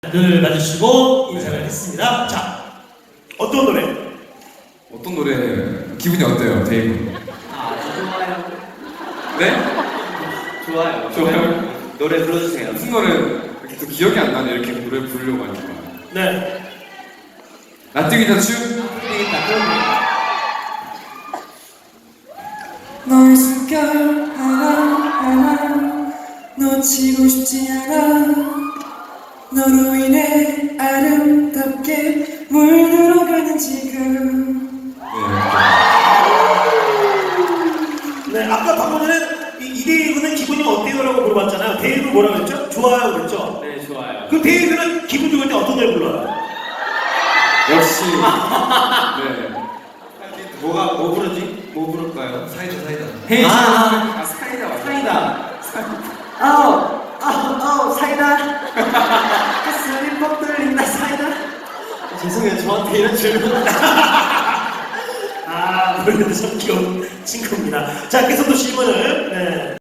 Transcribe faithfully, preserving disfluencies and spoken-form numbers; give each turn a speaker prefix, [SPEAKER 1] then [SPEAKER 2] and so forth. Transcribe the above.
[SPEAKER 1] 늘 봐주시고 인사를 네. 했습니다. 자, 어떤 노래?
[SPEAKER 2] 어떤 노래? 기분이 어때요, 데이브?
[SPEAKER 3] 아, 좋아요.
[SPEAKER 2] 네?
[SPEAKER 3] 좋아요.
[SPEAKER 2] 좋아요?
[SPEAKER 3] 노래 불러주세요.
[SPEAKER 2] 무슨 노래? 이렇게 또 기억이 안 나네, 이렇게 노래 부르려고 하니까.
[SPEAKER 1] 네.
[SPEAKER 2] 나뜨기 자추?
[SPEAKER 3] 되겠다, 그럼 되겠다.
[SPEAKER 4] 너의 숨결 하나하나 놓치고 싶지 않아. 너로 인해 아름답게 물들어가는 지금.
[SPEAKER 1] 네, 아까 방금 전에 이 데이브는 기분이 어때요? 라고 물어봤잖아요. 데이브 뭐라고 그랬죠? 좋아요 그랬죠?
[SPEAKER 3] 네, 좋아요.
[SPEAKER 1] 그럼 데이브는 기분 좋을 때 어떤 노래 불러요?
[SPEAKER 2] 역시. 네.
[SPEAKER 3] 뭐가, 뭐 부르지? 뭐 부를까요?
[SPEAKER 2] 사이다, 사이다.
[SPEAKER 3] 헤이,
[SPEAKER 2] 아, 아, 사이다 맞아.
[SPEAKER 3] 사이다. 아우, 아우, 아우, 사이다. 가슴이 뻑 뚫린다, 사이다. 죄송해요, 저한테 이런 질문.
[SPEAKER 1] 아, 노래도 참 귀여운 친구입니다. 자, 계속 또 질문을